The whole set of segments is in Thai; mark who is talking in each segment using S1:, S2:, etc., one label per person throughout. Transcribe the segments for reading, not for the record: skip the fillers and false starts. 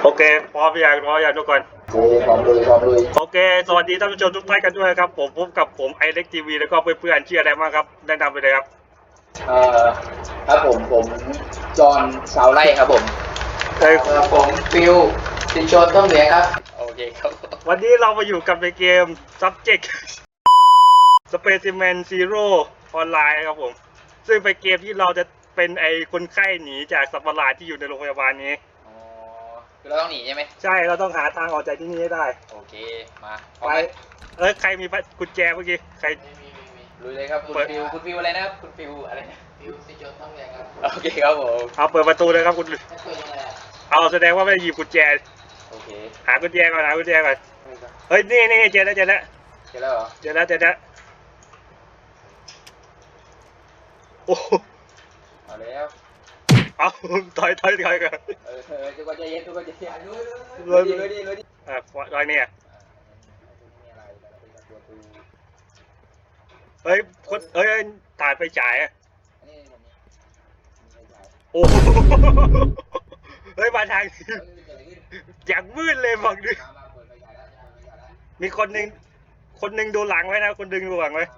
S1: โอเคพร้อมอย่างทุกคน
S2: พร้อมเลย
S1: โอเคสวัสดีท่านผู้ชมทุกท่านกันด้วยครับผมพบกับผมไอเล็กทีวีแล้วก็เพื่อนๆชื่ออะไรบ้างครับแนะนำไปเลยครับ
S2: ครับผมจอห์นชาวไร่ครับผมผมฟิวสินชนต้องเหนือครับโอเคครับ
S1: วันนี้เรามาอยู่กับในเกม Subject Specimen Zero ออนไลน์ครับผมซึ่งเป็นเกมที่เราจะเป็นไอคนไข้หนีจากสัตว์ประหลาดที่อยู่ในโรงพยาบาลนี้
S2: คือเราต้องหนีใช่ไหม
S1: ใช่เราต้องหาทางออกจากที่นี่ให้ได้
S2: โอเคมา
S1: ไปใครมีกุญแจเมื่อกี้ใคร
S2: มีลุยเลยครับคุณฟิวอะไรนะครับคุณฟิวอะไรนะฟิวสินชนต้องเหนือครับโอเคครับผม
S1: เอาเปิดประตูเลยครับคุณเอาแสดงว่าไม่ได้หยิบกุญแจ
S2: โอเค
S1: หากุญแจก่อนเฮ้ยนี่เจอแล้ว
S2: เหรอเจอแล้ว
S1: โอ้
S2: เอาแล้ว
S1: เอาถอยกัน
S2: ทุกคนใจเย็น
S1: เลยรอยเนี่ยเฮ้ยถ่ายไปจ่ายอ่ะโอ้เฮ้ยมาทางอย่างมืดเลยบอกดิมีคนหนึ่งดูหลังไว้นะคนดึงดูหลังไว้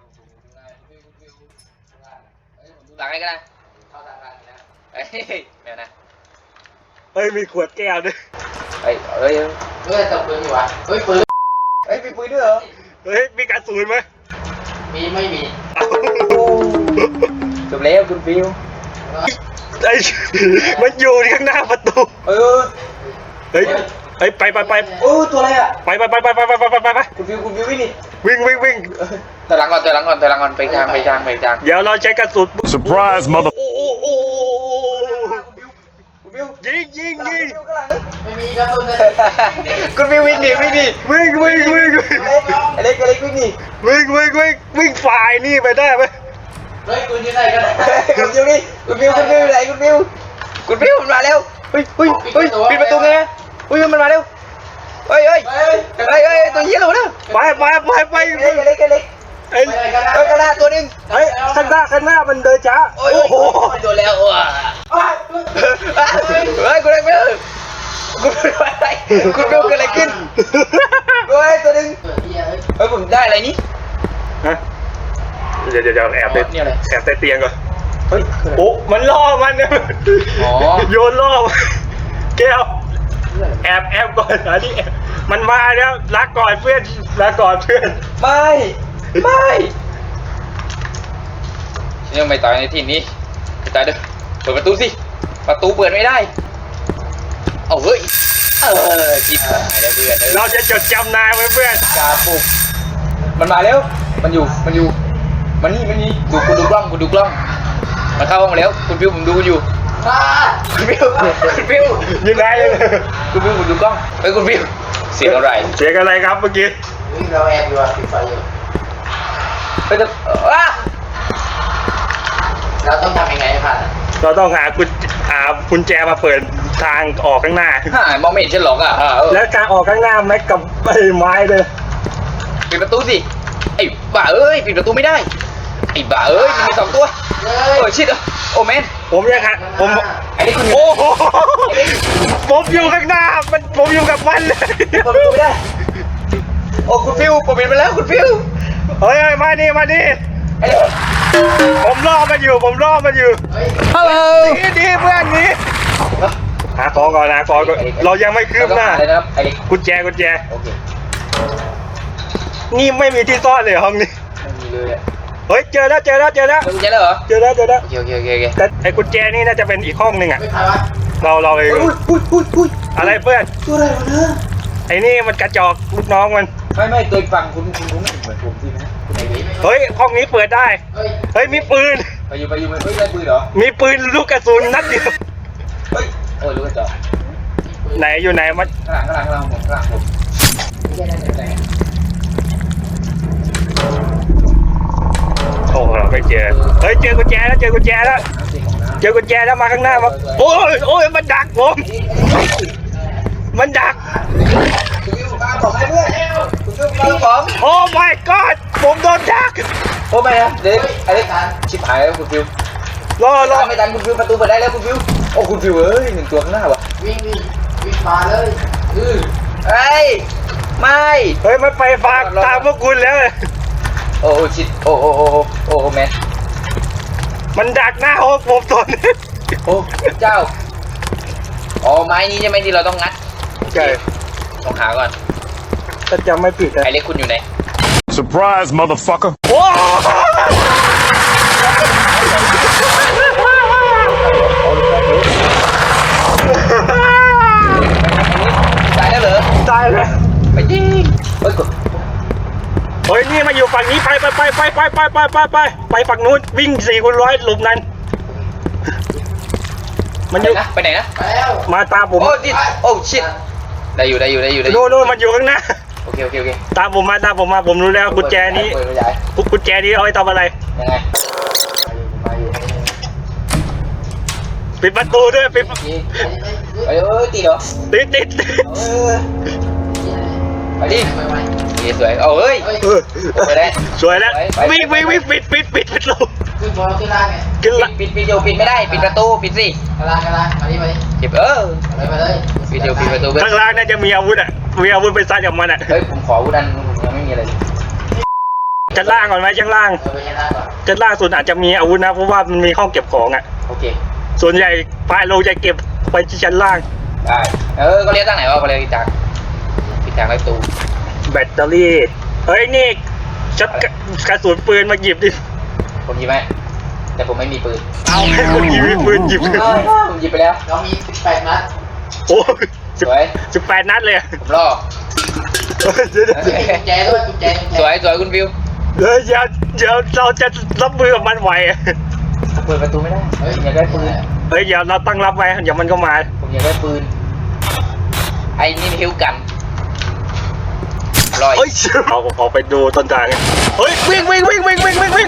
S2: หลังอะไรกันนะเข้าทางนะแมวนะ
S1: มีขวดแก้วด้วย
S2: ตบปืนอยู่วะปืนมีปืนด้วยเหรอ
S1: มีกระสุนไหม
S2: ไม่มีจบแล้วคุณฟิว
S1: มันอยู่ข้างหน้าประตูไป
S2: ตัวอะไรอ่ะ
S1: ไป
S2: คุณฟิววิ่งดิ
S1: วิ่ง
S2: ถอยหลังก่อนไปทาง
S1: เดี๋ยวเราใช้กระสุน
S3: Surprise mother
S1: ยิง
S2: ไม่มีกระสุนเลยคุณฟิววิ่งดิ
S1: วิ่ง
S2: เล็กวิ่งดิ
S1: วิ่งฝ่ายนี่ไปได้ไหม
S2: คุณอยู่ไหนกันคุณฟิวไหนคุณฟิวมันมาแล้วปิดประตูไงมันมาแล้วตัวเหี้ยเลยนะ
S1: ไป
S2: เล็กกระดาษตัวนึง
S1: ข้างหน้ามันเดินช้า
S2: โอ้โหโดนแล้วว่ะคุณอะไรคุณฟิวเกิดอะไรขึ้นตัวนึงผมได้อะไรนี่
S1: เดี๋ยวแอบใต้เตียงก่อนโอ้มันล่อมันเนี่ยโยนล่อแก้วแอบก่อนนี่มันมาแล้วลาก่อนเพื่อน
S2: ไม่ยังไม่ตายในที่นี้ไปตายเด้อเปิดประตูสิประตูเปิดไม่ได้เอาเฮ้ยจิบหายแล้วเพื่อน
S1: เราจะจดจำนายไว้เพื่อน
S2: กาปุกมันมาแล้วมันอยู่มันนี่คุณดูกล้องมันเข้าห้องแล้วคุณฟิวผมดูอยู่คุณฟิว
S1: ยังไง
S2: คุณฟิวผมดูกล้องคุณฟิวเสียงอะไร
S1: ครับเมื่อกี้
S2: เราแอบอยู่ปิดไฟอยู่เราต้องทำยังไงให้ผ่าน
S1: เราต้องหากุญแจมาเปิดทางออกข้างหน้าม
S2: องไม่เห็นฉันหรอก
S1: แล้วการออกข้างหน้าแม็กกับไม้เลย
S2: ปิดประตูสิไอ้บ้าปิดประตูไม่ได้ไอ้บ้ามี2ตัวชิดโอ้แมน
S1: ผมยังฮะโอ้โหผมอยู่ข้างหน้าผมอยู่กับมันเลย
S2: ผมดูไม่ได้โอ้คุณฟิวผมเห็นไปแล้วคุณฟิว
S1: มานี่ผมรอมันอยู่
S2: ฮัลโหล
S1: ดีเพื่อนนี้หาของก่อนเรายังไม่คืบหน้ากุญแจนี่ไม่มีที่ซ่อนเลยห้องนี้
S2: ไม่มีเลย
S1: เจอแล้ว
S2: เหรอเจอแล้ว
S1: แต่
S2: โอเค
S1: ไอ้กุญแจนี่น่าจะเป็นอีกห้องหนึ่งอ่ะเราเองอะไรเพื่อน
S2: ตัวอะไรวะเนี่ย
S1: ไอ้นี่มันกระจอกลูกน้องมัน
S2: ไม่ตัวฝั่งคุณไม่เหมือนผมสินะ
S1: ห้องนี้เปิดได้มีปืน
S2: ไปอยู่ได้ปืนเหรอ
S1: มีปืนลูกกระสุนนัดเดียว
S2: ลูกกระจอก
S1: ไหนอยู่ไหนมัน
S2: ข้างหลังผม
S1: โอ้เราไม่เจอเจอกุญแจแล้วมาข้างหน้ามาโอ้ยมันดักผมโอ้ my god ผมโดนดัก
S2: โอ้ไม่นะเด็กชิบหายแล้วคุณฟิว
S1: รอ
S2: ไม่ทันคุณฟิวประตูเปิดได้แล้วคุณฟิวโอ้คุณฟิว1ตัวข้างหน้าว่ะวิ่ง
S3: มาเลยอือ
S2: เฮ้ยไม่
S1: เฮ้ยมันไปฝากตามพวกคุณแล้ว
S2: โอ้ชิดโอ้แมน
S1: มันดักหน้าห้องผมตอนนี้
S2: โอ้เจ้าอ๋อไม้นี้ใช่ไหมที่เราต้องงัด
S1: ใช่
S2: ต้องหาก่อน
S1: ถ้าจำไม่ผิดนะ
S2: ไอเล็กคุณอยู่ไหน
S4: Surprise, motherfucker.
S1: โอ้
S2: ตายแล้วเหรอ
S1: ตายเลย
S2: ไปยิงเฮ้ยกด
S1: เฮ้ยนี่มาอยู่ฝั่งนี้ไปฝั่งนู้นวิ่ง4x100หลบนั้น มันอยู่
S2: ไปไหนนะ
S3: ไปแล้ว
S1: มาตามผม
S2: โอ้ดิโอ้ชิดได้อยู่
S1: โน่นมันอยู่ข้างหน้า
S2: โอเค
S1: ตามผมมาผมรู้แล้วกุญแจนี้
S2: เปิดขยาย
S1: กุญแจนี้เอาไว้ทำอะไร
S2: ยังไง
S3: มาอยู่
S1: ปิดประตูด้วยปิด
S2: ยิงเอ้ยตีเหรอ
S1: ติด
S2: เออไปดิ
S3: ไปไว้
S2: สวยเอาเฮ้ย
S3: เฮ้ย
S2: ไปได้
S1: สวยแล้ววิ่งปิดประตู
S3: ขึ้นบอลขึ้นล่างไง
S1: ขึ้นละ
S2: ปิดอยู่ปิดไม่ได้ปิดประตูปิดสิ
S3: กระลางมาดิ
S2: เก็บ
S3: ไปเลย
S2: ปิดประตูเพื่อน
S1: ข้างล่างน่าจะมีอาวุธอ่ะมีอาวุธไปซัดกับมันอ่ะ
S2: เฮ้ยผมขอวุดันยังไม่มีอะไร
S1: ชั้นล่างก่อนไหมชั้นล่าง
S3: ไปชั้นล่างก่อน
S1: ชั้นล่างสุดอาจจะมีอาวุธนะเพราะว่ามันมีห้องเก็บของอ่ะ
S2: โอเค
S1: ส่วนใหญ่ปลายโลจะเก็บไปที่ชั้นล่าง
S2: ได้ก็เรียกตั้งไหนวะก็เรียกจากปิดทางประตู
S1: แบตเตอรี่เฮ้ยนี่ชัดกระสุนปืนมาหยิบดิ
S2: ผมหยิบไหมแต่ผมไม่มีปืน
S1: เอาให้คนหยิบปืนหยิบ
S2: ผมหยิบไปแล้ว
S3: เรามี18 นัด
S1: โอ้
S2: สวย
S1: 18 นัดเลยอะ
S2: ผมรอ
S1: เดี๋ยว
S3: กุญแจด้วยกุญแจ
S2: สวยคุณฟิว
S1: เดี๋ยวเราจะรับมือกับมันไหวอะ
S2: ผมเปิดประตูไม่ได้ผมอยากได้ปืน
S1: เฮ้ยเดี๋ยวเราตั้งรับไว้เดี๋ยวมันก็มา
S2: ผมอยากได้ปืนไอ้นี่ฮิวกันลอย
S1: เฮ้ยเอาไปดูต้นทางกันเฮ้ยวิ่ง
S2: วิ่งดิวิ่ง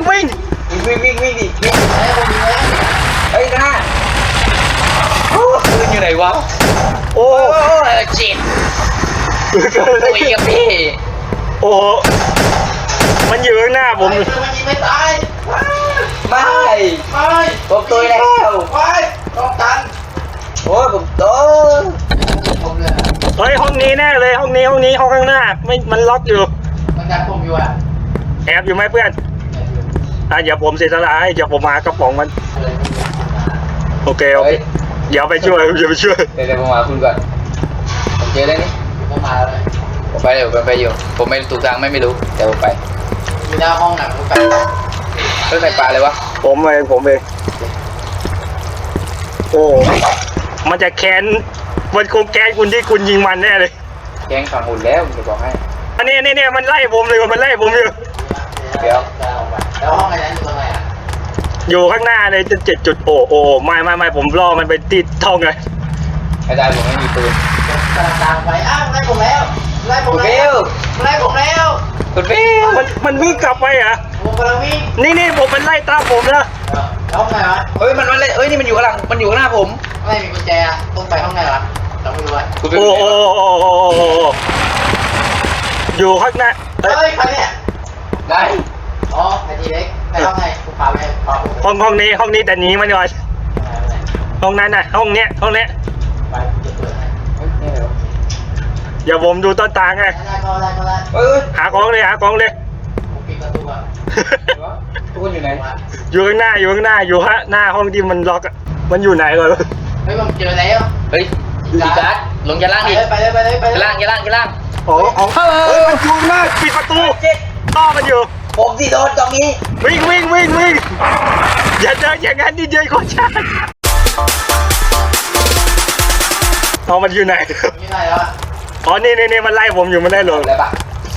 S2: เฮ้ยนะปืนอยู่ไหนวะ
S1: โอ้
S2: จิตคุยกับพี่
S1: โอ้มันอยู่ข้างหน้าผม
S3: มันยิงไม่ตาย
S2: ไม่
S3: ไม่
S2: ผมตุยแล้ว
S3: ไปต้องกัน
S2: โอ้ยผมโต
S3: ผมเลย
S1: เฮ้ยห้องนี้แน่เลยห้องนี้ห้องข้างหน้าไม่มันล็อกอยู่
S3: มันดักผมอยู่อ่ะ
S1: แอบอยู่ไหมเพื่อนเดี๋ยวผมเสียสละให้เดี๋ยวผมมากระป๋องมันโอเคเดี๋ยวไปช่วยเดี๋ยว
S2: ผมมาคุณก่อนผมเจอแล้วนี่
S3: ผมมาแล้วเลย
S2: ผมไปเดี๋ยวผมไปอยู่ผมไม่ถูกทางไม่รู้แต่ผมไป
S3: อยู่หน้าห้องหนังผมไป
S2: เฮ้ยใครปลาเลยวะ
S1: ผมเองโอ้มันจะแค้นมันคงแค้นคุณที่คุณยิงมันแน่เลย
S2: แกงฝั่งหุ่นแล้วผมจะบอกให้
S1: อันนี้มันไล่ผมเลยมันไล่ผมอยู่
S3: แล้วห้องอะไรนั้นอยู่ตรงไหนอ่ะ
S1: อยู่ข้างหน้าเลย7 จุดโอ้ไม่ผมล่อมันไปติดท่องเลย
S2: ไม่ได้ผมไม่มีปืน
S3: กำลังตามไปอ้าวไล่ผมแล้วไล่ผม
S2: คุณ
S3: แล้
S2: ฟิ
S3: ว
S2: ว
S3: ไล่ผมแล้ว
S2: คุณฟิว
S1: มันวิ่งกลับไปเหรอ
S3: ผมกำลังวิ่ง
S1: นี่ผมมันไล่ตามผมนะ
S3: ห้องไหนวะ
S2: เฮ้ยมันเลยเอ้ยนี่มันอยู่ข้างหลังมันอยู่ข้างหน้าผม
S3: ไม่มีกุญแจต้องไปห้องไหนวะเราไม่รู้อ่ะ
S2: คุณฟิว
S1: โอ้อยู่ข้างหน้า
S3: เฮ้ยใครเนี่ย
S2: ได้
S3: อ๋อไอทีเล็กในห้องไหนกูพาไปพาผม
S1: ห้องนี้แต่หนีมันก่อนห้องนั้นน่ะห้องเนี้ย
S3: ไปจะเปิดให้
S2: นี่เหรอ
S1: อย่าผมดูต้นทางไง
S3: ได้ก็ได้
S2: เฮ้ย
S1: หาของเลย
S3: ผมปิดประตูก่อน
S2: ทุกคนอยู่ไหน
S1: อยู่ข้างหน้าอยู่หน้าห้องที่มันล็อกอะมันอยู่ไหนก่อน
S3: เฮ้ยผมเจอแล้ว
S2: เฮ้ยดีการ์ดลงชั้นล่างดิ
S3: ไปเลย
S2: ชั้นล่าง
S1: อ๋อเฮ้ยมันอยู่หน้าปิดประตูต้อมันอยู่
S2: ผมที่โดนตรงนี้
S1: วิ่งอย่าเดินอย่างนั้นดิเจโคชาเอามันอยู่ไหน
S3: มีอะไรแล้ว
S1: อ๋อนี่มันไล่ผมอยู่มันได้หรอ
S2: อะไรปะ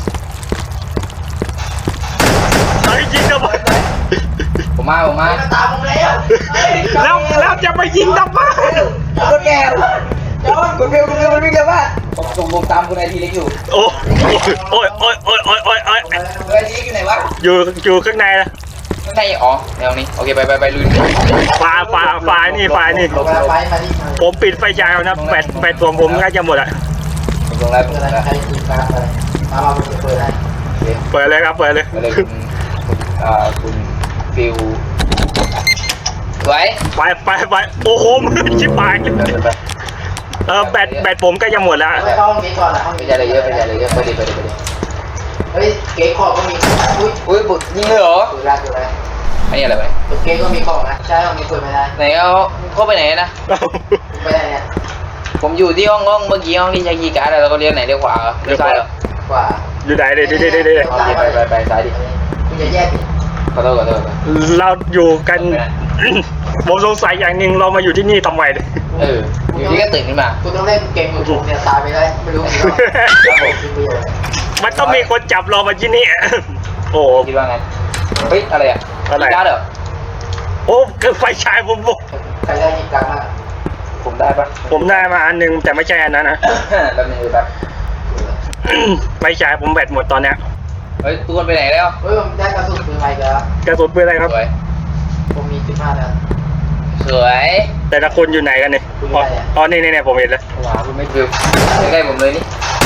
S1: เฮ้ยยิงทำไม
S2: ผมมา
S3: มันตามผมแล้ว
S1: แล้วจะไปยิงทำไม
S2: รถแกคุณฟิวมันวิ่งเร็วมากผมตามคุณไอทีเล็กอยู่
S1: โอ้ย
S2: ไอทีเล็กอยู่ไหนวะ
S1: อยู่ข้างในนะ
S2: ข้างในอ๋อแนวนี้โอเคไปลุย
S1: ฝ่ายนี่
S3: ลงไปมาดิ
S1: ผมปิดไฟฉายแล้วนะแปดตัวผมน่าจะหมดอ่ะ
S2: ผมลงแล้ว
S3: เปิดอะไรใครคุยการอะไรมาผมจะเปิดให้
S1: เปิดเลยครับเปิดเลย
S2: มาเลยคุณฟิวสวย
S1: ไปโอ้โหมันชิบหายแบตผมก็จะหมดแล้ว
S3: ไปเข้าห้องนี้ก่อนนะห้อง
S2: ไม่
S3: นี้
S2: ใช่อะไรเยอะไม่ใช่อะไรเยอะไปดิไปดิไปดิ
S3: เฮ้ยเก๊กของก็มีอุ้ย
S2: อุ้ยบุกยิงเลยเหรอ
S3: ดูแลดูแล
S2: อันนี้อะไรไป
S3: ตัวเก๊กก็มีของนะใช่ห้องนี้เปิดไม่ได้
S2: ไหนเอาเข้าไปไหนนะ
S3: ไม่ได้เนี่ย
S2: ผมอยู่ที่ห้องเมื่อกี้ห้องที่ใช้คีย์การ์ดแล้วก็เลี้ยวไหนเลี้ยวขวาเหรอเลี้ยวซ้ายเหรอก
S3: ว่า
S1: อยู่ไหนเด้
S2: เอาดิไปซ้ายดิ
S3: คุณจะแยกดิ
S2: ขอโทษ
S1: เราอยู่กัน ผมสงสัยอย่างหนึ่งเรามาอยู่ที่นี่ทำไมเนี่ย
S2: อยู่ที่ก็ตื่นขึ้นมา
S3: คุณต้องเล่นเกมมือถือเนี่ยตายไปได้ไม่รู้กี่รอบครับผมคุณประโยชน์
S1: มันต้องมีคนจับเรามาที่นี่ โอ้
S2: คิดว่าไงเฮ้ยอะไรอ่ะ
S1: อะไร
S2: คีย์การ์ดเหรอ
S1: โอ้คือไฟฉายผม
S3: ใครได้ยิงกลางมาก
S2: ผมได้ปะ
S1: ผมได้มาอันหนึงแต่ไม่ใช่อันนั้นนะ
S2: แป๊บนึงดูแป๊บ
S1: ไฟฉายผมแบตหมดตอนเนี้ย
S2: เฮ้ยตูนไปไหนแล้ว
S3: เฮ้ยผมได้กระสุนปืนใหม่แล้ว
S1: กระสุนปืนอะไรครับ
S2: สวย
S3: ผมมี15แล้ว
S2: สวย
S1: แต่ละคนอยู่ไหนกันเนี่ย
S3: คุณอยู่ไหนอะ
S1: อ๋อนี่ผมเห็นแล้ว
S2: ว้าวคุณไม่ฟิวใกล้ๆผมเลยนี่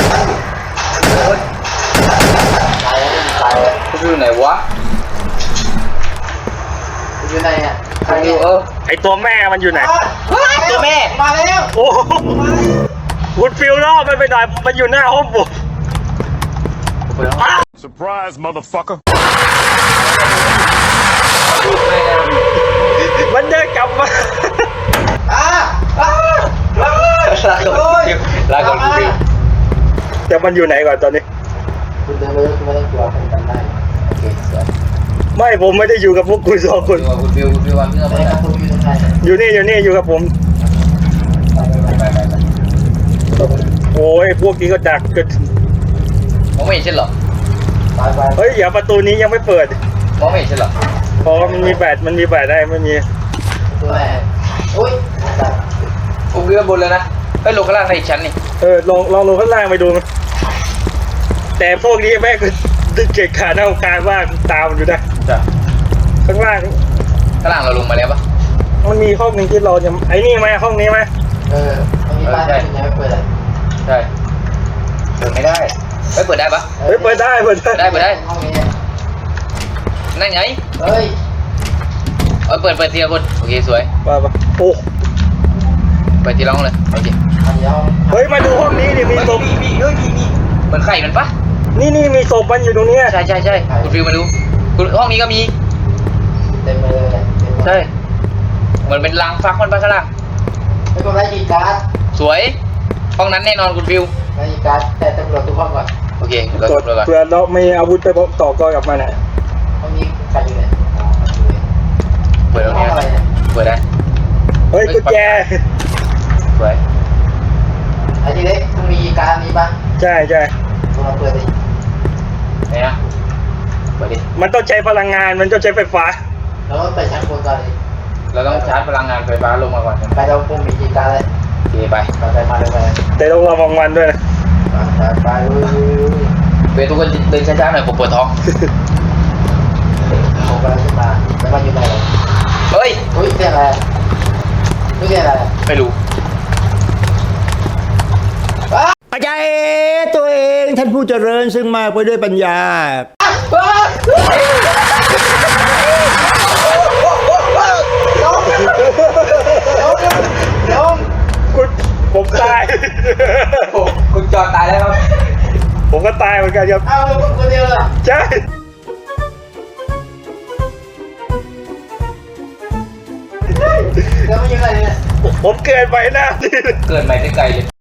S3: ตายแล้วไม่มีตายแล้ว
S2: คุณฟิวไหนวะ
S3: คุณอยู่ไหนเนี่ยใคร
S2: คุณฟิ
S3: เนี่
S2: วย
S1: ไอตัวแม่มันอยู่ไหน
S2: ตัวแม่
S3: มาแล้ว
S1: โอ้คุณฟิลล่อมันไปหน่อยมันอยู่หน้าห้องผมอ้าว
S4: Surprise, motherfucker.
S1: มันเดินกลับมา
S3: อ้าอ้าอ้า
S2: ลาก่อนคุณฟิว
S1: แต่มันอยู่ไหนก่อนตอนนี้
S3: คุณเดินไปแล้วคุณไม่ต้องกลัวผมจำได้โอเคสวย
S1: ไม่ผมไม่ได้อยู่กับพวกคุณสองคน
S2: คุณฟิววันที่เราไป
S3: ไอ้
S2: ไหน
S3: กระสุนอยู่ตรงไหน
S1: อยู่นี่อยู่กับผม
S2: ไป
S1: โอ้ยพวกนี้ก็ดักกัน
S2: มองไม่เห็นใช่เหรอ
S3: ไป
S1: เฮ้ยอย่าประตูนี้ยังไม่เปิด
S2: มองไม่เห็นใช่เหรอ
S1: เพราะมันมีแบตได้ไม่มี
S3: ตัวไหนอุ้ย
S2: ผมเรือบนเลยนะไปลงข้างล่างในอีกชั้นนี่
S1: ลองลงข้างล่างไปดูมั้ยแต่พวกนี้แม่งก็ดึงเกะขาหน้าการว่างตามอยู่นะ
S2: จ้ะ
S1: ข้างล่าง
S2: ข้างล่างเราลงมาแล้วปะ
S1: มันมีห้องหนึ่งที่เราจะไอ้นี่ไหมห้องนี้ไหม
S3: มันมีบ้านที่คุณยังไม่เปิดเลย
S2: ใช่เปิดไม่ได้ไม่เปิดได้ปะ
S1: เฮ้ยเปิดได้
S2: เปิดได้
S3: ห้องนี้
S2: นั่นไง
S3: เฮ้ย
S2: เปิดทีละคนโอเคสวย
S1: ป่ะโอ้
S2: เปิดทีละห้องเลยโอเค
S3: อันนี้ห้อง
S1: เฮ้ยมาดูห้องนี้ดิมีศพ
S2: มีเหมือนไข่มันปะ
S1: นี่มีศพมันอยู่ตรงเนี้ย
S2: ใช่คุณฟิวมาดูคุณห้องนี้ก็มี
S3: เต็มเลยเนี่ย
S2: ใช่เหมือนเป็นรังฟักมันปะข้างล่าง
S3: ไม่ต้องได้ยีการ์ด
S2: สวยห้องนั้นแน่นอนคุณฟิว
S3: ได้ยีการ์ดแต่ตำรวจทุกห้องก่อน
S2: โอเคเรา
S1: กด
S2: ดูก่อน
S1: เพื่อเราไม่อาวุธไปต่อกรกับมันอ่ะ
S3: ห้องนี้ใครอยู่ไหน
S2: เปิดตรง
S3: ห้อ
S2: นี้
S3: งอะไรเนี่ย
S2: เปิดได้
S1: เฮ้ยกุญแจ
S2: สวย
S3: ไอ้ที่เล็กคุณมียีการ์ดนี้ปะ
S1: ใช่
S3: คุณลองเปิดดิ
S2: ไหนนะเปิดดิ
S1: มันต้องใช้พลังงานมันต้องใช้ไฟฟ้า
S3: แล้วก็ไปชั้นบนก่อนดิ
S2: เราต้องชาร์จพลังงานไฟฟ้าลงมาก่อน
S3: ไปเราคงมียีการ์ดเลย
S2: โอเคไป
S3: ไปมาเลยไป
S1: แต่ต้องระวังมันด้วยนะ
S3: ไป
S2: เป็นทุกคนเดินช้าๆหน่อยผมปวดท้อง
S3: ผมกำลังขึ้นมาแล้วมันอยู่ไหน
S2: เฮ้ย
S3: อุ้ยเสียงอะไรไม่เสียงอะไร
S2: ไม่รู้
S5: ปัจจัยตัวเองท่านผู้เจริญซึ่งมากไปด้วยปัญญา
S3: ลง
S1: ผมตาย
S2: คุณจอดตายแล้วครับ
S1: ผมก็ตายเหมือนกันครับ
S3: เอาลงคนเดียวเลย
S1: ใช่
S3: แล้วมันยังไงเนี่ย
S1: ผมเกินไปหน้าที่
S2: เกิดใหม่ได้ไกลเลย